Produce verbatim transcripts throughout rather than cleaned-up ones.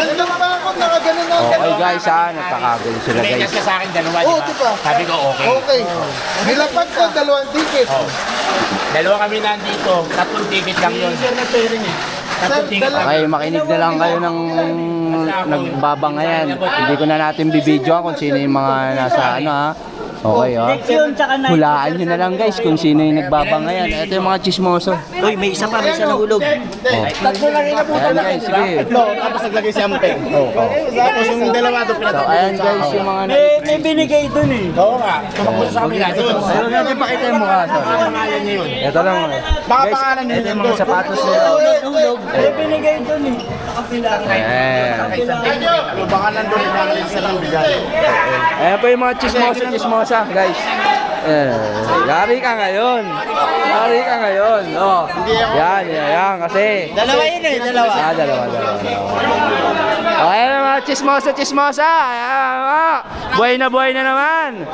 Nandiyan pa ako, nakaganon na. Okay guys ha, nagkakagulo sila guys. Pinayas ka sa akin dalawa, Oo, di di ba? ba? Sabi ko okay. Okay. Nilapag ko, dalawang ticket. Oh. Dalawa kami nandito, tatlong ticket lang yun. Tatlong ticket lang. Okay, makinig na lang kayo ng nagbabangayan. Hindi ko na natin bibidyoan kung sino yung mga nasa ano ha. Okay ha. Hulaan nyo na lang guys kung sino yung nagbabangayan. Ito yung mga chismoso. Uy, may isa pa, may isa nahulog. Oh. Tatlo lang yung nabutan Ayan lang. guys, sige. Tatlo, tapos naglagay si Ampeng. Oh, oh. Tapos yung dalawa ito So pinatapos. ayan guys yung mga May, may binigay dun eh. Oo nga, tumakbo sa amin natin. Ayun natin pakita yung mukha. Baka pangalan niya yun. Ito lang. Baka Guys, pangalan niya ito yung yun. mga sapatos nila. Hulog. May binigay dun eh. Nakapila. Ayan. Ano, baka nandun yung mga sa lang bigay. Ayan po yung mga chismosa, chismosa, guys. Eh, yari ka ngayon. Yari ka ngayon. Oh. Yan, yan, yan. Kasi... Dalawa yun eh, dalawa. Ah, dalawa, dalawa. dalawa. Okay, mga chismosa, chismosa. Ayan, ah. Buhay na buhay na naman.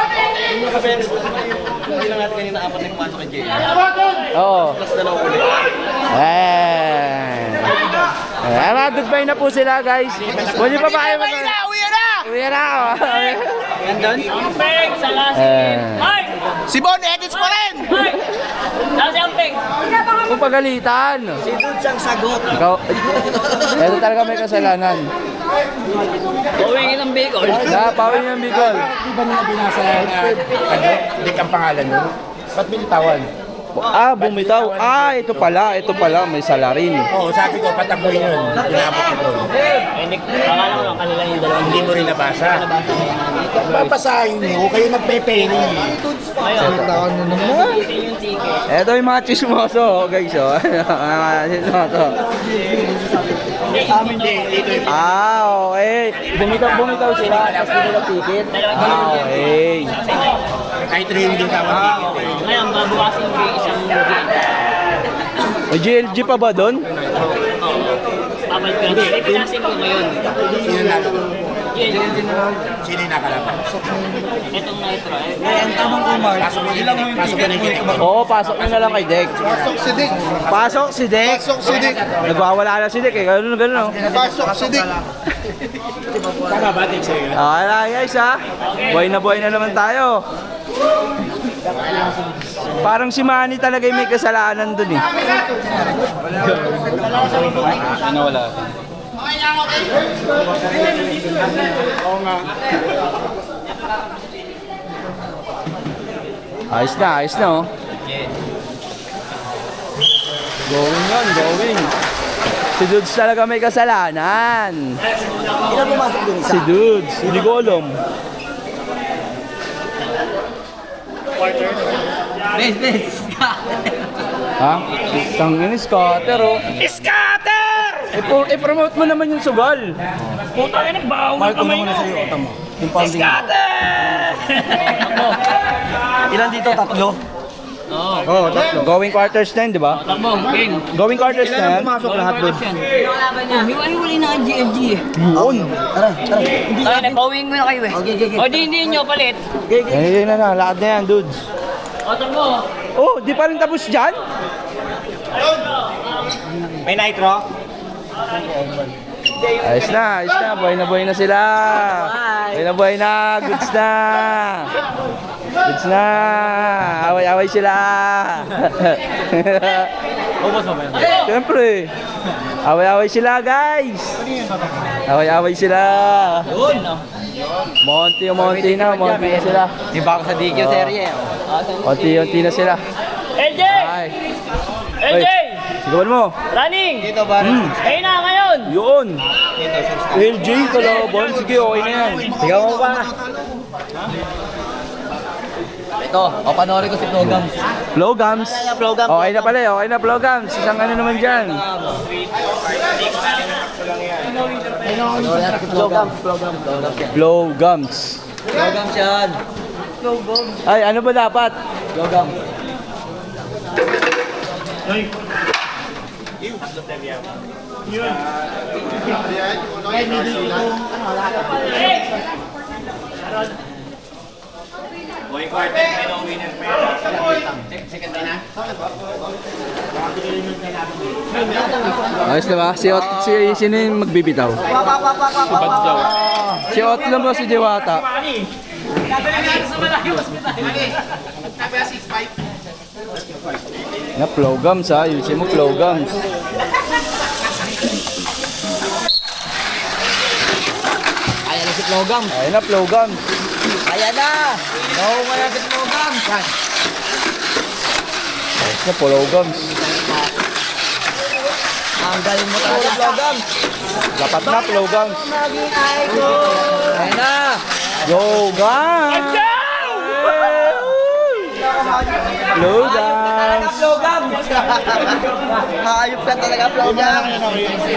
Hindi lang natin kanina apat na pumasok kay Jay. Oo. Plus dalawa ulit. Ayan. Ayan, mga goodbye na po sila, guys. Pwede pa ba kayo mag- Uwi na! Uwi na ako. Nandun? Ampeng, salasin. Eh. Ay! Si Bon, edits pa rin! Ay! Nasi Ampeng. Kung pagalitan. Si Dude siyang sagot. Ikaw, ito talaga may kasalanan. Uwingin ng Bicol. Na, pawin yung Bicol. Di ba nila binasa na ano? Hindi kang pangalan nun? Ba't binitawan? Ah, bumitaw. Ah, ito pala, ito pala, may salarin. Oo, sabi ko, patakbo yun. Pinabot ko doon. Eh, Nick, akala ko lang kanila yung dalawang Hindi mo rin nabasa. Babasahin niyo, kayo nagpe-penny. Ayun. Ako na naman. Isin yung ticket. Ito yung mga chismoso, guys. Oh. Mga chismoso. Hindi, dito yung Ah, okay. Bumitaw, bumitaw sila. Tapos binila ticket. Ah, okay. kahit rin yung tawag ticket eh. Ngayon, babawasin ko yung isang gate. May G L G pa ba doon? Babalik ko lang. Hindi, pinasin ko ngayon. Sino na? Yun, Sino yung nakalaban? itong nitro. Eh, Ang tanong ko, Mark, Pasok mo yung pasok mo yung ticket. Oo, pasok na na lang kay Dek. Pasok si Dick. Pasok si Dek. Pasok si Dick. Nagwawala na si Dek eh. Ganun, ganun. Oh. Pasok si Dick. Tama ba, Dick, sa'yo? Okay na guys ha. Buhay na buhay na naman tayo. Parang si Manny talaga yung may kasalanan dun eh. Ano wala? Ayos na, ayos na oh. Going yun, going. Si Dudes talaga may kasalanan. Ilan pumasok dun isa? Si Dudes, hindi ko alam. Bes, bes. Ha? Tangin, scatter oh. Scatter! I- I-promote mo naman yung sugal. puta ka, nagbaho Mark, una muna sa'yo, utang mo. Yung pounding. Ilan dito? Tatlo? Oo. Oo, oh, tatlo. Going quarters na yun, di ba? Takbo, King. Going quarters na yan. Pumasok lahat doon. Kalaban niya. Hiwa-hiwalay na ang G L G eh. Yun. Tara, tara. Hindi Kaya nagpawing mo na kayo eh. Okay, okay, okay. O di hindi nyo palit. Okay, okay. Eh, yun na na. Lakad na yan, dudes. O takbo. Oh, di pa rin tapos dyan? May nitro? Ayos na, ayos na. Buhay na buhay na sila. Buhay na buhay na. Goods na. Goods na. Away-away sila. Siyempre. Away-away sila, guys. Away-away sila. Monty, monty na. Monty na sila. Di ba ako sa D Q serye? Monty-monty na sila. L J! Ay. L J! Sigawan mo. Running! Dito ba? Kayo na ngayon! Yun. L J, kalaban. Sige, okay na yan. Sigaw mo pa. Ito, o panoorin ko si Flogams. Flowgums. Flogams. Okay na pala, eh, okay na Flowgums. Isang ano naman dyan. Flogams, Flogams. Flowgums. Flogams yan. Ay, ano ba dapat? Flogams. Ayos na ba? Si, Ot, si sino yung magbibitaw? Si Otlo mo si Diwata. Na flow gums ha, yusin mo flow gums. Ayan na si Flogam. Ayun na flow gums. Ayan na. Nakuha mo na si Flogam. Ayos na flow gums. Ang galing mo talaga, Flogam. Dapat na flow gums. Ayan na. Yo gums! Flow gums! Flogam. Hayop ka talaga, Flogam.